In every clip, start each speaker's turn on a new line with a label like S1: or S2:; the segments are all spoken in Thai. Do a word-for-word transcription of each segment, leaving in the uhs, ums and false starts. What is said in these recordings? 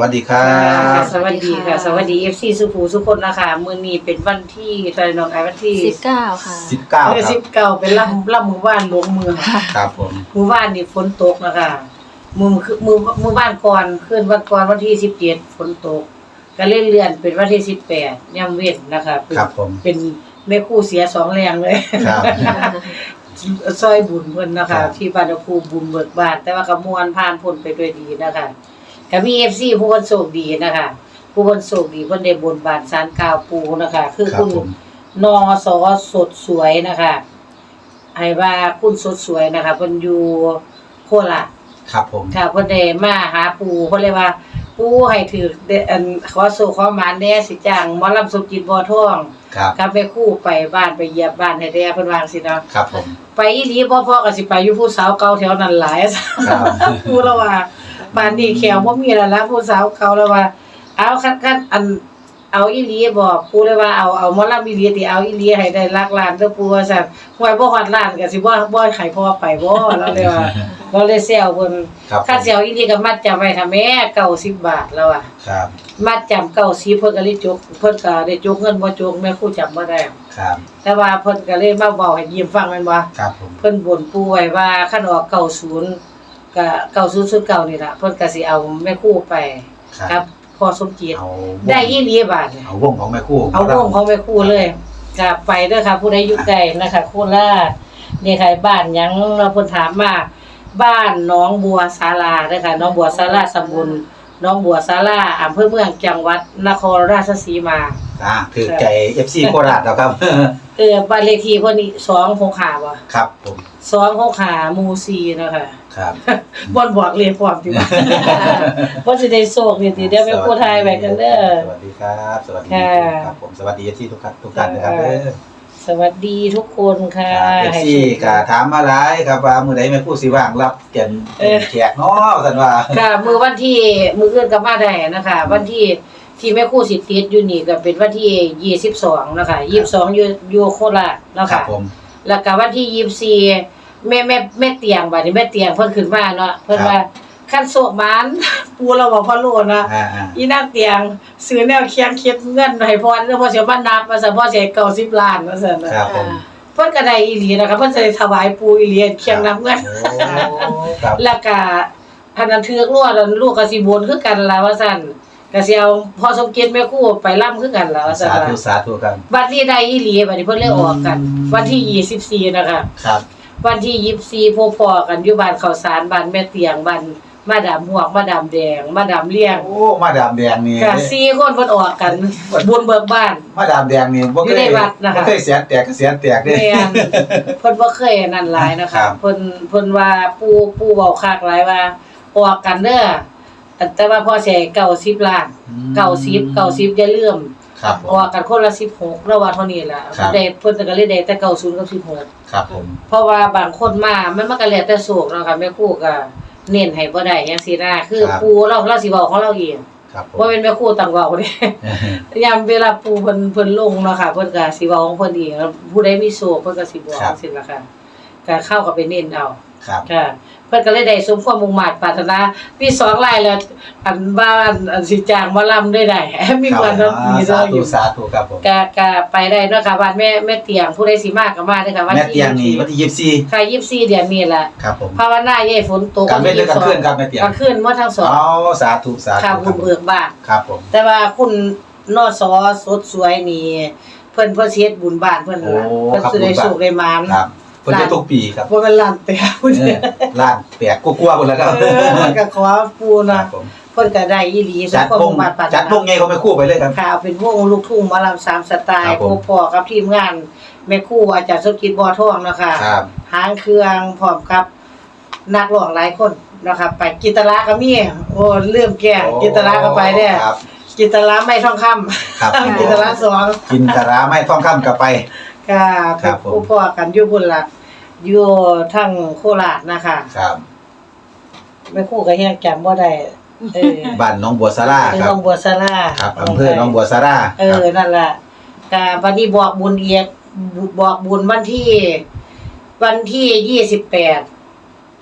S1: วัสดีครับ
S2: สวัสดีค่ะสวัสดี เอฟ ซี สุภูสุคนนะคะมื้อนี้เป็นวันที่เท่าไหร่น้องไอ้วันที่
S3: สิบเก้าค่ะ
S1: สิบเก้า
S2: เออ
S1: ครับ
S2: สิบเก้าเป็นล่ำล่ำมื้อวานหลวงเมือง
S1: ครับผม
S2: มื้อวานนี่ฝนตกนะคะมื้อคือมื้อมื้อวานก่อนคืนวันก่อนวันที่สิบเจ็ดฝนตกก็เลื่อนเลื่อนเป็นวันที่สิบแปดย่ำเว้นนะคะ
S1: ครับผม
S2: เป็นแม่ครูเสียสองแรงเลย
S1: ครับ
S2: ซอยบุญเพิ่นนะคะที่บ้านครูบุญเบิกบานแต่ว่าก็ม่วนผ่านพ้นไปด้วยดีนะคะก็มี เอฟ ซี ผู้เพิ่นโชคดีนะคะผู้เพิ่นโชคดีเพิ่นได้บนบานศาลกล่าวปู่นะคะคือคุณนอสอสดสวยนะคะให้ว่าคุณสดสวยนะคะเพิ่นอยู่โคราช
S1: ครับผม
S2: ค่ะเพิ่นได้มาหาปู่เพิ่นเลยว่าปู่ให้ถืออันขอโชคขอหมานแน่สิจ้างหมอลำสมจิตบ่อทอง
S1: ครับ
S2: กับแม่ครูไปบ้านไปเยี่ยมบ้านให้แด่เพิ่นว่าจังซี่เนาะ
S1: ครับผม
S2: ไปอีหลีบ่พอก็สิไปอยู่ผู้สาวเก่าแถวนั้นหลายครับปู่แล้วว่าบ้านนี้แขวบ่มีแล้วล่ะผู้สาวเก่าแล้วว่าเอาคันๆอันเอาอีหลีบ่ปู่เลยว่าเอาเอาหมอลำอีหลีติเอาอีหลีให้ได้หลักล้านเด้อปู่ว่าซั่นห่วยบ่ฮอดล้านก็สิบ่บ่ให้พ่อไปบ่แล้วเลยว่าเราเลยแซวเพิ่นค่าสิเอาอีหลีก็มัดจำไว้ถ้าแม่เก้าสิบบาทแล้วอ่ะ
S1: ครับ
S2: มัดจำเก้าสิบเพิ่นก็เลยจกเพิ่นก็ได้จกเงินบ่จกแม่ครูจำบ่ได้
S1: ครับ
S2: แต่ว่าเพิ่นก็เลยมาเว้าให้ยิ้มฟังแม่นบ่
S1: ครับผม
S2: เพิ่นบ่นปู่ไว้ว่าคันออกเก้าสิบก็เก้าสิบ เก้านี่ล่ะเพิ่นก็สิเอาแม่ครูไปครับพ่อสมจิตได้อีหลีบาท
S1: เอาวงของแม่ครู
S2: เอาวงของแม่ครูเลยก็ไปเด้อค่ะผู้ใดอยู่ไกลนะคะโคราชนี่ค่ะบ้านหยังเราเพิ่นถามมาบ้านหนองบัวศาลาเด้อค่ะหนองบัวศาลาตำบลหนองบัวศาลาอำเภอเมืองจังหวัดนครราชสีมา
S1: อ่าถือใจ เอฟ ซี โคราชแล้วครับ
S2: เออบ้านเลขที่เพิ่นนี่สองหกห้าบ่
S1: ครับผม
S2: สองหกห้าหมู่สี่เนาะค่ะ
S1: ครับ
S2: บ่บอกเลขพร้อมติบ่บ่สิได้โชคนี่ติเดี๋ยวไปพูดทายไว้กันเด้อ
S1: สวัสดีครับสวัสดีครับผมสวัสดี เอฟ ซี ทุกท่านทุกท่านนะครับเด้อ
S2: สวัสดีทุกคนค่ะ
S1: เอฟ ซี ก็ถามมาหลายครับว่ามื้อใดแม่ครูสิว่างรับเกียรติแขกเนาะซั่นว่า
S2: ค่ะมื้อวันที่มื้ออื่นก็มาได้นะคะวันที่ที่แม่ครูสิติดอยู่นี่ก็เป็นวันที่ยี่สิบสองนะคะยี่สิบสองอยู่อยู่โคราชเนาะค่ะ
S1: ครับผม
S2: แล้วก็วันที่ยี่สิบสี่แม่แม่แม่เตียงบัดนี้แม่เตียงเพิ่นขึ้นมาเนาะเพิ่นว่าคันโศกหมานปู่เราบอกพ่อโลดนะอีนางเตียงซื้อแนวเคียงเคียดเงินให้พ่อแล้วพ่อสิมานับว่าซั่นพ่อสิให้เก้าสิบล้านว่าซั่น
S1: ครับผม
S2: เพิ่นก็ได้อีหลีนะคะเพิ่นสิถวายปู่อีหลีเคียงนับเงินแล้วก็พันนั้นถือกลัวแล้วลูกก็สิบนคือกันล่ะว่าซั่นก็สิเอาพ่อสมเกียรติแม่ครูไปร่ำคือกันล่ะว่าซั่น
S1: สาธุสาธุครับ
S2: บัดนี้ได้อีหลีบัดนี้เพิ่นเลยออกกันวันที่ยี่สิบสี่นะคะ
S1: ครับ
S2: วันที่ยี่สิบสี่พบพ่อกันอยู่บ้านข้าวสารบ้านแม่เตียงบ้านมาดามหวกมาดามแดงมาดามเลี้ยง
S1: โอ้มาดามแดงนี่
S2: ก็สี่คนเพิ่นออกกันบุญเบิกบ้าน
S1: มาดามแดงนี่บ่เคยบ่เคยเสียแตกก็เสียแตกเด้
S2: แม่นเพิ่นบ่เคยนั่นหลายนะคะเพิ่นเพิ่นว่าปู่ปู่เว้าคักหลายว่าออกกันเด้อแต่ว่าพ่อสิให้เก้าสิบล้านเก้าสิบ เก้าสิบอย่าลืม
S1: ครับ
S2: ออกกันคนละสิบหกแล้วว่าเท่านี้ล่ะได้เพิ่นก็เลยได้แต่เก้าสิบกับสิบหก
S1: ครับผม
S2: เพราะว่าบางคนมามันมันก็แล้วแต่โศกเนาะค่ะแม่ครูก็เน้นให้บ่ได้จังซี่นะคือปู่เราเราสิเว้าของเราเองบ่แม่นแม่ครูตั้งเว้าเด้ยามเวลาปู่เพิ่นเพิ่นลงเนาะค่ะเพิ่นก็สิเว้าของเพิ่นเองผู้ใดมีโศกเพิ่นก็สิบอกจังซี่ล่ะค่ะก็เข้าก็ไปเน้นเอาค่ะเพิ่นก็เลยได้สมความมุ่งมั่นปรารถนามีสองรายแล้วอันบ้านอันสิจ้างหมอลำได้ได้มีวันนั้นมี
S1: สาธุสาธุครับผม
S2: ก็ก็ไปได้เนาะค่ะบ้านแม่แม่เตียงผู้ใดสิมาก็มาเด้อค่ะ
S1: วันที่แม่เตียงนี่วันที่ยี่สิบสี่
S2: ค่ะยี่สิบสี่เดือนนี้ล่ะ
S1: ครับผม
S2: ภาวนาอย่าให้ฝนตก
S1: กันเว้นกันคืนครับแม่เตียง
S2: กันคืนหมดทั้งสอง
S1: อ๋อสาธุสาธุ
S2: ค่ะบุญเบิกบาน
S1: ครับผม
S2: แต่ว่าคุณนสสดสวยนี่เพิ่นเพิ่นเฮ็ดบุญบ้านเพิ่นล่ะเพิ่นสิได้สุขได้มาน
S1: ครับเพิ่นจะทุกปีครับ
S2: บ่แม่นล้านแตกพุ่น
S1: ล้านแตกกลัวๆพุ่นแล้วครับ
S2: เออก็ขอปู่นะเพิ่นก็ได้อีหลี
S1: จัดวงจัดวงใหญ่เขาไปคู่ไปเลยครับ
S2: ค่ะเป็นวงลูกทุ่งหมอลำสามสไตล์พบพ่อกับทีมงานแม่ครูอาจารย์สมคิดบ่อทองเนาะค่ะหางเครื่องพร้อมกับนักร้องหลายคนนะครับไปกิตราก็มีโอ้เริ่มแก่กิตราก็ไปเด้อกิตราไม้ทองคำ
S1: ครับ
S2: กิตราสอง
S1: กิตราไม้ทองคำก็ไป
S2: ค่ะครับผู้พ่อกันอยู่พุ่นล่ะอยู่ทางโคราชนะคะ
S1: ครับ
S2: แม่ครูก็ยังจำบ่ได้เออ
S1: บ้านหนองบัวสารา
S2: ครับหนองบัวสารา
S1: ครับอำเภอหนองบัวสารา
S2: เออนั่นล่ะก็วันนี้บอกบุญเอียดบอกบุญวันที่วันที่ยี่สิบแปด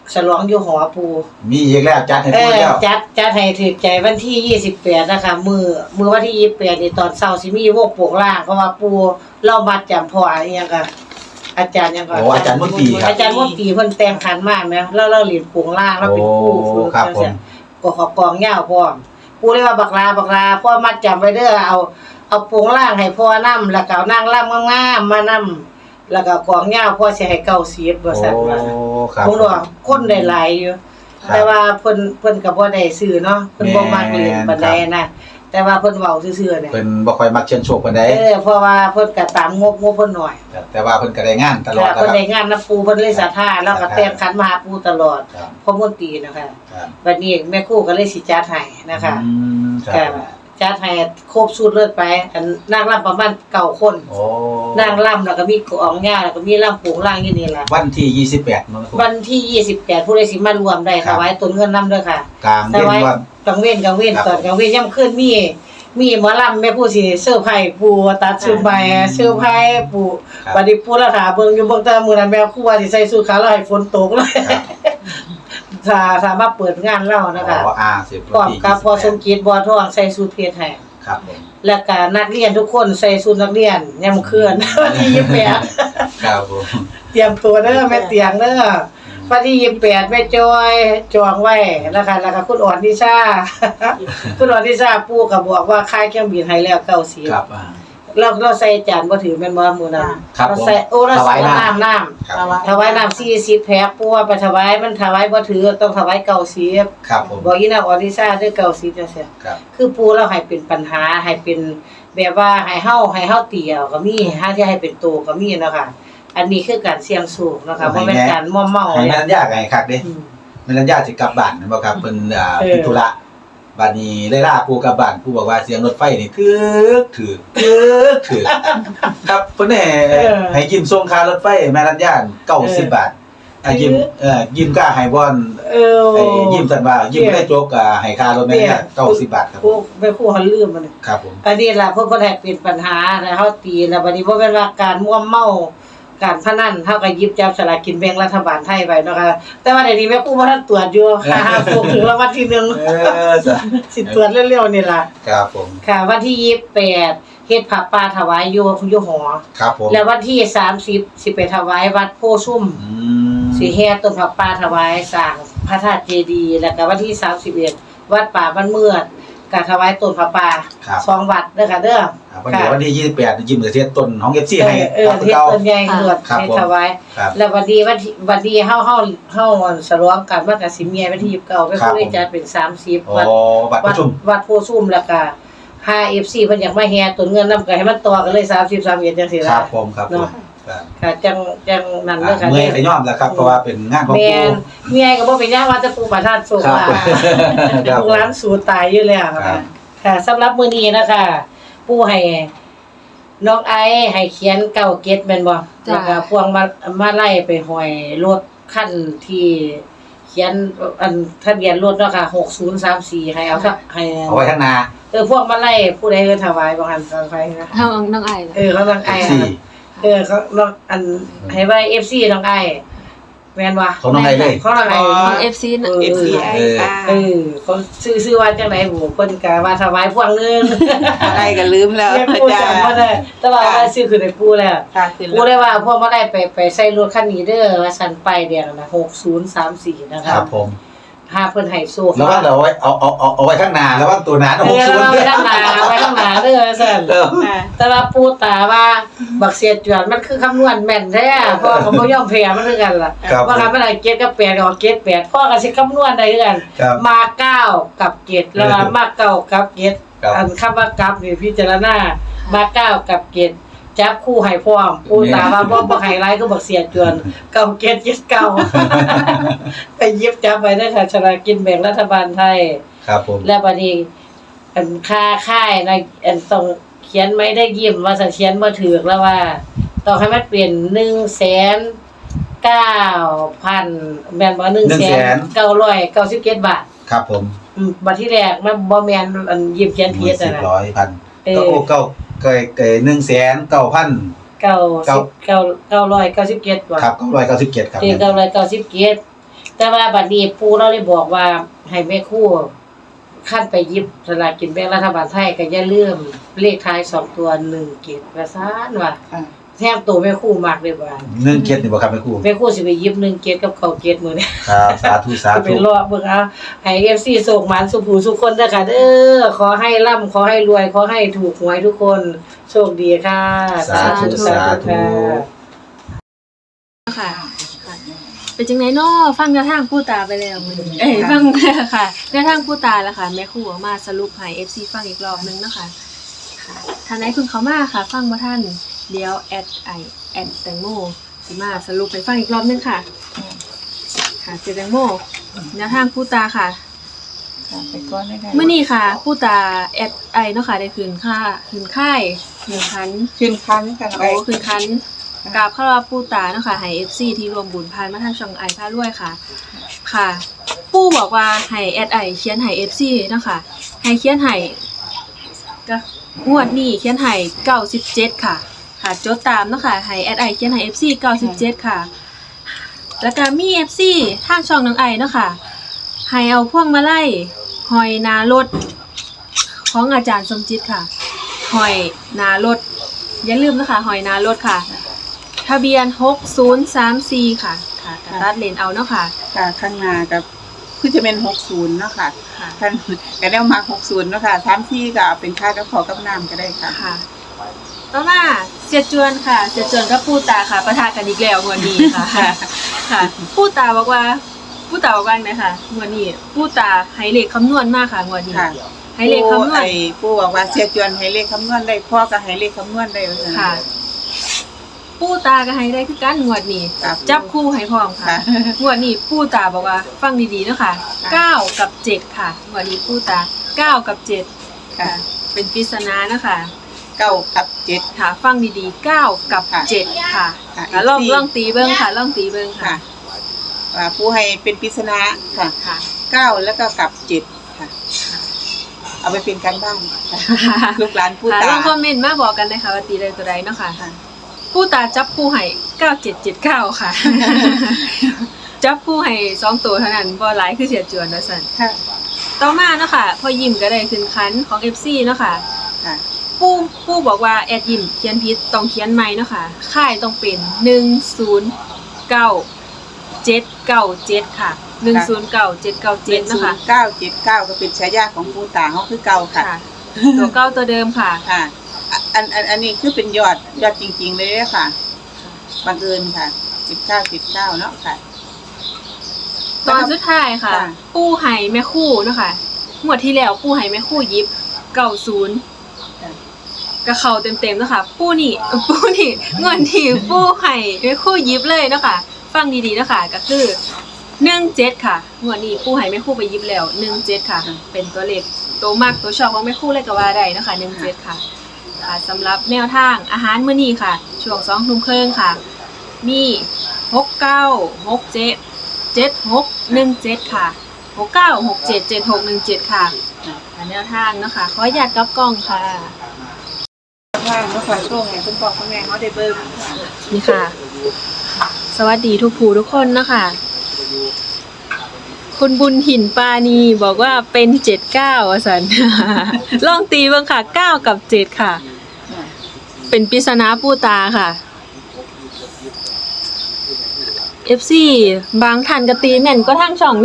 S2: ฉลองอยู่หอปู
S1: มีอีกแล้วจัดให้
S2: เอ
S1: พูด
S2: อ
S1: แล้ว
S2: จัดจัดให้ถึกใจวันที่ยี่สิบแปดนะคะมื้อมื้อวันที่ยี่สิบแปดนี่ตอนเช้าสิมีวงโปกล่างเพราะว่าปูเรามาจำพ่ออีหยังก็อาจารย์หยังก็
S1: โอ้อาจารย์มนตรีครับ
S2: อาจารย์มนตรีเพิ่นแต่งขันมากนะแล้วเราเรียนโปกล่างเราเป็นครูฝึก
S1: ครับผม
S2: ก็ขอกองยาวพร้อมปูเลยว่าบักลาบักลาพ่อมัดจำไว้เด้อเอาเอาโปกล่างให้พ่อนำแล้วก็เอานางร่ำงามๆมานำแล้วก็กองยาวพ่อสิให้เก้าสิบว่าซั่นว่า
S1: โอ้ครับ
S2: ผมว่าคนได้หลายอยู่
S1: ครับ
S2: แต่ว่าเพิ่นเพิ่นก็บ่ได้ซื้อเนาะเพิ่นบ่มักเล่นปานใดนะแต่ว่าเพิ่นเว้าซื่อๆเนี่ย
S1: เพิ่นบ่ค่อยมักเชิญโชคปานใด
S2: เออเพราะว่าเพิ่นก็ตามงบงบเพิ่นหน่อย
S1: แต่ว่าเพิ่นก็ได้งานตลอด
S2: ค่ะ
S1: นะค
S2: เพิ่น
S1: รับ
S2: ได้งานนํปูเพิ่นเลยศรัทธาแล้วก็แต่งขันมาหาปูตลอด
S1: ครับ
S2: พ่อมนตรีนะคะ
S1: ครับ
S2: บัดนี้แม่ครูก็เลยสิจัดให้นะคะ
S1: อืมค
S2: ก็
S1: รับ
S2: จัดให้ครบสูตรเลิศไปอันนางรำประมาณเก้าคน
S1: โอ้
S2: นางรำแล้วก็มีกองย่าแล้วก็มีรำโปงล่างอยู่นี่ล่ะ
S1: วันที่ยี่สิบแปดเนาะครับ
S2: วันที่ยี่สิบแปดผู้ใดสิมารวมได้
S1: ครั
S2: ถ
S1: บ
S2: วายตนเงินนำเด้อค่ะ
S1: กลาง
S2: ถ
S1: เย็น
S2: วาย
S1: วัน
S2: กลางเว้นกลางเว้น
S1: ครับ
S2: ตอนกลางเว้นย่ำคืนมีมีหมอลำแม่ผู้สิเสื้อร์ไผ่ปูตัดชุดใบเสื้อร์ไผ่ปู
S1: ครับ
S2: บัดนี้ปูละถาเบิ่งอยู่เบิ่งแต่มื้อนั้นแม่ครูว่าสิใส่สูทขาวแล้วให้ฝนตกเลย
S1: ครับ
S2: ถ้าถ้ามาเปิดงานเรานะคะ
S1: อ๋ออ่าสิบ
S2: พร้อม
S1: ที่
S2: กับพอสม
S1: ยี่สิบแปด
S2: เกียรติบ่อทองใส่สูทเพชรให้
S1: ครับผม
S2: แล้วก็นักเรียนทุกคนใส่สูทนักเรียนย่ำคืน วันที่ยี่สิบแปด
S1: ครับผม
S2: เตรียมตัวเด้อแม่เตียงเด้อวันที่ยี่สิบแปดแม่จอยจองไว้นะคะแล้วก็คุณอ่อนนิชา คุณอ่อนนิชาปู่ก็บอกว่าค่ายเครื่องบินให้แล้วเก้าสิบ
S1: ครับอ่า
S2: เราเราใส่จานบ่ถือแม่นบ่มื้อนั้น
S1: ครับ
S2: เรา
S1: ผม
S2: ใส่โอ้เรา
S1: ถ
S2: ใส่
S1: วายน้ำ
S2: น้ำน้ำ
S1: ครับ
S2: ถวายน้ำสี่สิบแพ็คปู่ว่าไปถวายมันถวายบ่ถือต้องถวายเก้าสิบ
S1: ครับผม
S2: บอกอีนางอ่อนนิชาเด้อเก้าสิบจังซี่
S1: ครับ
S2: คือปู่เราให้เป็นปัญหาให้เป็นแบบว่าให้เฮาให้เฮาเตียวก็มีหาที่ให้เป็นโตก็มีเนาะค่ะอันนี้คือการเสี่ยงสูงเนาะค่ะบ่แม่นการม่อมเมา
S1: ให้
S2: เลย
S1: มันยากไงครับเด้
S2: อืม
S1: มันยากสิกลับบ้านแม่นบ่ครับเพิ่นอ่า
S2: เออ
S1: พิธุระบัดนี้เลยล่าปู่กลับบ้านปู่บอกว่าเสียงรถไฟนี่ถึกถึกถึกถึกครับเพิ่นให้ให้ยิ้มส่งค่ารถไฟแม่รัญญาเก้าสิบบาทอ่ะยิ้มเอ่อยิ้มกล้าให้บ่อน
S2: เออ
S1: ไอ้ยิ้มซั่นว่ายิ้มบ่ได้จกอ่าให้ค่ารถแม่รัญญาเก้าสิบบาทครับ
S2: พวกไปผู้เขาลืมมัน
S1: ครับผม
S2: อันนี้ล่ะเพิ่นบ่ได้เป็นปัญหาแล้วเฮาตีแล้วบัดนี้บ่แม่นว่าการม่วมเมาการพนันเฮาก็หยิบจับสลากกินแบ่งรัฐบาลไทยไว้เนาะค่ะแต่ว่าเดี๋ยวนี้แม่ครูบ่ทันตรวจอยู่ค่ะหาพวกถึงรางวัลที่หนึ่ง
S1: เออจ้ะ
S2: สิตรวจเร็วๆนี่ล่ะ
S1: ครับผม
S2: ค่ะวันที่ยี่สิบแปดเฮ็ดผ้าป่าถวายอยู่อยู่หอ
S1: ครับผม
S2: แล้ววันที่สามสิบสิไปถวายวัดโพชุ่ม
S1: อืม
S2: สิแห่ต้นผ้าป่าถวายสร้างพระธาตุเจดีย์แล้วก็วันที่สามสิบเอ็ดวัดป่าบ้านเมือดก็ถวายต้นผ้าป่า
S1: ครับ
S2: สองวัดเด้อค่ะเด้อ
S1: ครับวันเดียววันที่ยี่สิบแปดยิ้มจะเสียต้นของ เอฟ ซี
S2: เอ
S1: ให้
S2: อเออ
S1: ครับ
S2: เฮ็ด
S1: เก่า
S2: ต้นใหญ่เกิด
S1: ครับ
S2: ให้
S1: ผม
S2: ถวาย
S1: ครับ
S2: แล้ววันดีวันที่วันดีเฮาเฮาเฮาฉลองกันว่าก็สิมีวันที่ยี่สิบเก้าไป
S1: ครับ
S2: ผู้ได้จัดเป็นสามสิบ
S1: โอ้
S2: วัด
S1: บัตรป
S2: วัด
S1: ระชุม
S2: วัดโพชุ่มแล้วก็ ห้า เอฟ ซี เพิ่นอยากมาแห่ต้นเงินนำก็ให้มันต่อกันเลยสามสิบ สามสิบเอ็ดจังซี่
S1: ค
S2: ล่ะ
S1: รับผมครับผม
S2: เนาะ
S1: ครับ
S2: ค่ะจังจังนั่นเด้อค่ะ
S1: เมื่อยขย่อมแล้วครับเพราะว่าเป็นงานของ
S2: แม่
S1: ปู่
S2: นเมียก็บ่เป็นหยังว่าแต่ปู่ประทานโชค
S1: ครับ
S2: ว่า
S1: ผมครับ
S2: ลูกหลานสู่ตายอยู่แล้ว
S1: ครั
S2: ค่ะ
S1: บ
S2: ค่ะสำหรับมื้อนี้นะคะปู่ให้น้องไอให้เขียนเก้าเก็ดแม่นบ่
S3: จ้ะ
S2: แล้วก็พวงมามาไล่ไปห้อยรถคันที่เขียนอันทะเบียนรถเนาะค่ะหกศูนย์สามสี่ให้เอาซะให้
S1: เอาไว้ข้างหน้า
S2: เออพวกมาไล่ผู้ใดเอิ้นถวายบ่หันฟังไปนะ
S3: น้องน้องไอ
S2: เออเขาต้องไอ
S1: สี่
S2: เออเขาน้องอันให้ไว้ เอฟ ซี น้องไอแม่นบ่
S1: ของน้องไอเลย
S2: ของน้องไอ
S3: น้องเอฟซี
S2: เออ
S4: เอฟ ซี ไอ
S1: เออ
S4: ค่ะ
S2: เออเขาซื้อซื้อว่าจังได๋บ่เพิ่นก็ว่าถวายพวงนึง
S4: อะไรก็ลืมแล้ว
S2: เรียก
S4: อา
S2: ปู่
S4: จาร
S2: จำ
S4: ย์
S2: บ่ได้แต่ว่าว่าซื้อคือได้ปู่แล้ว
S4: ค่ะคือ
S2: ปู่ได้ว่าพวกมาได้ไปไปใส่รถคันนี้เด้อว่าซั่นป้ายแดงนะหกศูนย์สามสี่นะ
S1: ค
S2: ครั
S1: รั
S2: บบ
S1: ผม
S2: หาเพิ่นให้โชค
S1: แล้วว่าเราไว้เอาเอาเอาเอาไว้ข้างหน้าแล้วว่าตัวหนา
S2: เอ
S1: หก
S2: อ
S1: ศูน
S2: แล้ว
S1: ย์
S2: ไว้ข้างหน้าไว้ข้างหน้าเด้อว่าซั่น
S1: เออ
S4: ค่ะ
S2: แต่ว่าปู่ตาว่าบักเสียจวนมันคือคำนวณแม่นแท้พ่อก็บ่ยอมแพ้มันคือกันล่ะ
S1: ครับ
S2: ว่าคันมันได้เจ็ดกับแปดก็เอาเจ็ดแปดพ่อก็สิคำนวณได้คือกัน
S1: ครับ
S2: มาเก้ากับเจ็ดแล้วก็มาเก้ากับเจ็ด
S1: ครับ
S2: อันคำว่ากับนี่พิจารณามาเก้ากับเจ็ดจับคู่ให้พร้อมปู่ตาว่าบ่บ่ให้หลายคือบักเสียจวนเก้าเจ็ดเจ็ดเก้า ไปหยิบจับไว้เด้อค่ะฉลากกินแบ่งรัฐบาลไทย
S1: ครับผม
S2: และบัดนี้อันค่าค่ายนะอันต้องเขียนไม่ได้ยิ้มว่าจะเขียนบ่ถูกแล้วว่าต้องให้มันเป็นหนึ่งแสนเก้าพันแม่นบ่หนึ่งแสนเก้าร้อยเก้าสิบเจ็ดบาท
S1: ครับผม
S2: อืมบัดที่แรกมันบ่แม่นอันยิ้มเขียนผิด
S1: สิ
S2: น่ะ
S1: บ
S2: นะ
S1: ร้อยพัน
S2: เออ
S1: ก็โอ้เก้าเกยเกยหนึ่งแสนเก้าพัน
S2: เก้า
S1: เก้า
S2: สิบเก้าเก้าร้อยเก้าสิบเจ็ดบาท
S1: ครับเก้าร้อยเก้าสิบเจ็ดครับ
S2: ที่เก้าร้อยเก้าสิบเจ็ดแต่ว่าบัดนี้ปู่เราเลยบอกว่าให้แม่ครูคันไปหยิบสลากกินแบ่งรัฐบาลไทยก็อย่าลืมเลขท้ายสองตัวหนึ่งเจ็ดว่าซั่นว่า
S3: ค่ะ
S2: แทบตัวแม่ครูมากเลยว่า
S1: หนึ่งเจ็ดนี่บ่ครับแม่ครู
S2: แม่ครูสิไปหยิบหนึ่งเจ็ดกับเก้าเจ็ดมื้อนี้
S1: ครับสาธุสา
S2: ไป
S1: ธุ
S2: รอเบิ่งเอาให้ เอฟ ซี ส่งหมานสุขหูสุขคนเด้อค่ะเด้อขอให้ร่ำขอให้รวยขอให้ถูกหวยทุกคนโชคดีค่ะ
S1: สาธุสาธุ
S4: ค่ะค่ะ เป็นจังไดเนาะฟังแนวทางผู้ตาไปแล้วมื้อนี้เอ้ยฟังค่ะแนวทางผู้ตาแล้วค่ะแม่ครูออกมาสรุปให้ เอฟ ซี ฟังอีกรอบนึงเนาะค่ะค่ะท่านใดเพิ่งเข้ามาค่ะ ฟังบ่ทันเดี๋ยวแอดไอแอดแตงโมสิมาสรุปให้ฟังอีกรอบนึงค่ะ ค่ะเจแตงโมแนวทางผู้ตาค่ะ
S3: ค่ะไปก่อนได้ได้
S4: เมื่อนี้ค่ะผู้ตาแอดไอเนาะค่ะได้คืนค่าคืนค่ายหนึ่งพัน
S3: ขึ้นคันกัน
S4: โอ้คืนคันกราบเข้ารับปู่ตาเนาะค่ะให้ เอฟ ซี ที่รวมบุญพานมาทางช่องไอพารวยค่ะ ค่ะ ปู่บอกว่าให้แอดไอเขียนให้ เอฟ ซี เนาะค่ะให้เขียนให้ก็งวดนี้เขียนให้เก้าสิบเจ็ดค่ะ ค่ะจดตามเนาะค่ะให้แอดไอเขียนให้ เอฟ ซี เก้าสิบเจ็ดค่ะ แล้วก็มี เอฟ ซี ทางช่องน้องไอเนาะค่ะให้เอาพวงมาลัยหอยนารถของอาจารย์สมจิตค่ะหอยนารถอย่าลืมนะคะหอยนารถค่ะ ทะเบียนหกศูนย์สามสี่ค่ะค่ะกระตัดเลนเอาเนาะค่ะ
S3: ค่ะข้างหน้ากับคือจะเป็นหกสิบเนาะค่ะ
S4: ค่ะ
S3: ท่านก็ได้มาหกสิบเนาะค่ะสามที่ก็เอาเป็นค่ากับขอกับน้ำก็ได้ค่ะ
S4: ค่ะต่อมาเสียจวนค่ะเสียจวนกับปู่ตาค่ะประทะกันอีกแล้วงวดนี้ค่ะ ค่ะปู่ตาบอกว่าปู่ตาบอกว่าไงคะงวดนี้ปู่ตาให้เลขคำนวณมากค่ะงวดนี้
S3: ค่ะ
S4: ให้เลขคำนวณ
S3: ไอ้ผู้บอกว่าเสียจวนให้เลขคำนวณได้พ่อก็ให้เลขคำนวณได้ว่าซั่น
S4: ค่ะ ปู่ตาก็ให้ได้คือกันงวดนี้
S3: ครับ
S4: จับคู่ให้พร้อมค่ะ
S3: ค่ะ
S4: งวดนี้ปู่ตาบอกว่าฟังดีๆเนาะค่ะเก้ากับเจ็ดค่ะงวดนี้ปู่ตาเก้ากับเจ็ด
S3: ค่ะ
S4: เป็นปริศนาเนาะค่ะ
S3: เก้ากับเจ็ด
S4: ค่ะฟังดีๆเก้ากับ
S3: ค่ะ
S4: เจ็ดค่ะ
S3: ค่ะ
S4: แล้วลอง
S3: อีกสี่
S4: ลองตีเบิ้งค่ะลองตีเบิ้งค่ะ
S3: ค่ะว่าผู้ให้เป็นปริศนาค่ะ
S4: ค่ะ
S3: เก้าแล้วก็กับเจ็ดค่ะ เอาไปเป็นการบ้านค่ะลูกหลานผู้
S4: ค่ะ
S3: ตา
S4: ลองคอมเมนต์มาบอกกันนะคะว่าตีได้ตัวใดเนาะค่ะ
S3: ค่ะ
S4: ผู้ตาจับผู้ให้เก้าเจ็ดเจ็ดเก้าค่ะ จับผู้ให้สองตัวเท่านั้นบ่หลายคือเสียจวนว่าซั่น
S3: ค่ะ
S4: ต่อมาเนาะค่ะพอยิ้มก็ได้ขึ้นคันของ เอฟ ซี เนาะค่ะ
S3: ค่ะ
S4: ผู้ผู้บอกว่าแอดยิ้มเขียนผิดต้องเขียนใหม่เนาะค่ะค่ายต้องเป็นหนึ่งศูนย์เก้าเจ็ดเก้าเจ็ดค่ะหนึ่งศูนย์เก้าเจ็ดเก้า
S3: เจ็
S4: เจ็
S3: ด
S4: ด
S3: ศู
S4: เนาะ
S3: น
S4: ค่ะ
S3: ย์เก้าเจ็ดเก้าก็เป็นฉายาของผู้ตาเขาคือเก่าค่ะ
S4: ค่ะ ตัวเก้าตัวเดิมค่ะ
S3: ค่ะอ่ะอันอันอันนี้คือเป็นยอดยอดจริง ๆ เลยเด้อค่ะบังเอิญค่ะสิบเก้าสิบเก้าเนาะค่ะ
S4: ตอนสุดท้ายค่ะ
S3: ค่ะ
S4: ปูไห่แม่คู่เนาะค่ะงวดที่แล้วปูไห่แม่คู่ยิบเก้าศูนย์
S3: ค่ะ
S4: ก็เข้าเต็มๆเนาะค่ะปูนี่ปูนี่งวดที่ปูไห่แม่คู่ยิบเลยเนาะค่ะ ฟังดีๆเนาะค่ะก็คือหนึ่งเจ็ดค่ะงวดนี้ปูไห่แม่คู่ไปยิบแล้วหนึ่งเจ็ดค่ะ เป็นตัวเลขตัวมากตัวชอบของแม่คู่เลยก็ว่าได้เนาะค่ะหนึ่งเจ็ดค่ะค่ะสำหรับแนวทางอาหารมื้อนี้ค่ะ ช่วงสองทุ่มครึ่งค่ะ มีหกเก้าหกเจ็ดเจ็ดหกหนึ่งเจ็ดค่ะหกเก้าหกเจ็ดเจ็ดหกหนึ่งเจ็ดค่ะค่ะแนวทางเนาะค่ะขออนุญาตกับกล้องค่ะ
S3: ว่างเนาะค่ะช่วงไหนคุณพ่อคุณแม่เขาได้เบิ่งค่ะ
S4: นี่ค่ะ สวัสดีทุกผู้ทุกคนเนาะค่ะคุณบุญหินปานีบอกว่าเป็นเจ็ดเก้าอ่ะสัน ลองตีเบ้างค่ะเก้ากับเจ็ดค่ะ เป็นปริศนาปู่ตาค่ะ เอฟ ซี บางท่านก็ตีแม่นก็ทางช่องเด้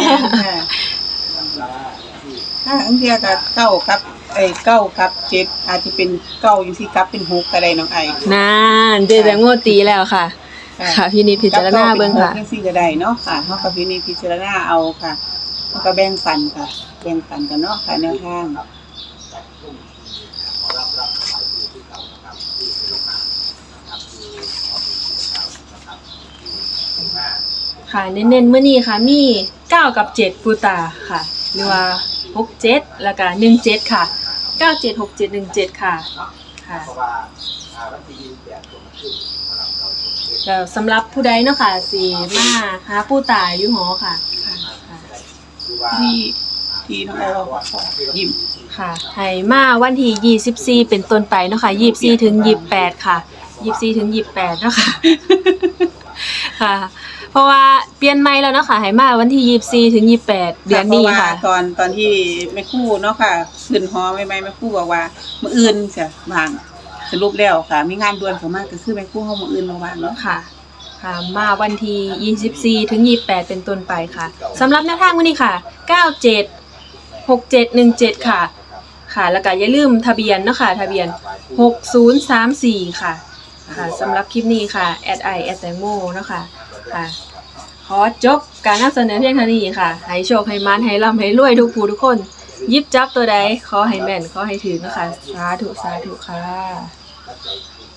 S3: ถ้าอันเทียกับเก้ากับไอ้เก้ากับเจ็ดอาจจะเป็นเก้าอยู่ที่กับเป็นหกก็ได้น้องไอ้
S4: นานเจแตงโมตีแล้วค่ะ ค่ะพี่นิดพิจารณาเบิ่งค่ะ
S3: จังซี่ก็ได้เนาะค่ะเฮากับพี่นี่พิจารณาเอาค่ะเฮาก็แบ่งปันค่ะ แบ่งปันกันเนาะค่ะแนวทาง
S4: ค่ะเน้นๆเมื่อนี้ค่ะมีเก้ากับเจ็ดปูตาค่ะ หรือว่าหกเจ็ดแล้วก็หนึ่งเจ็ดค่ะเก้าเจ็ดหกเจ็ดหนึ่งเจ็ดค่ะค่ะแล้วสำหรับผู้ใดเนาะค่ะสิมาหาปูตาอยู่หอค่ะค่ะ
S3: ที่ที่น้องไอ้ว่ายิ้ม
S4: ค่ะให้มาวันที่ยี่สิบสี่เป็นต้นไปเนาะค่ะยี่สิบสี่ถึงยี่สิบแปดค่ะยี่สิบสี่ถึงยี่สิบแปดเนาะค่ะค่ะ เพราะว่าเปลี่ยนใหม่แล้วเนาะค่ะให้มาวันที่ยี่สิบสี่ถึงยี่สิบแปดเดือนนี้
S3: เพราะว่า
S4: ค่ะ
S3: ตอนตอนที่แม่ครู่เนาะค่ะขึ้นหอใหม่ๆแม่ครู่บอกว่ามื้ออื่นจะวางสรุปแล้วค่ะ มีงานด่วนเข้ามาก็คือแม่ครู่เฮามื้ออื่นมาวางเนาะ
S4: ค่ะ ค่ะ มาวันที่ยี่สิบสี่ถึงยี่สิบแปดเป็นต้นไปค่ะสำหรับแนวทางวันนี้ค่ะเก้าเจ็ด หกเจ็ดหนึ่งเจ็ดค่ะ ค่ะ แล้วก็อย่าลืมทะเบียนเนาะค่ะทะเบียนหกศูนย์สามสี่ค่ะ ค่ะสำหรับคลิปนี้ค่ะแอดไอแอดแตงโมเนาะค่ะค่ะ ขอจบการนำเสนอเพียงเท่านี้ค่ะ ให้โชคให้มันให้ร่ำให้รวยทุกผู้ทุกคนหยิบจับตัวใดขอให้แม่นขอให้ถึงนะคะสาธุสาธุค่ะ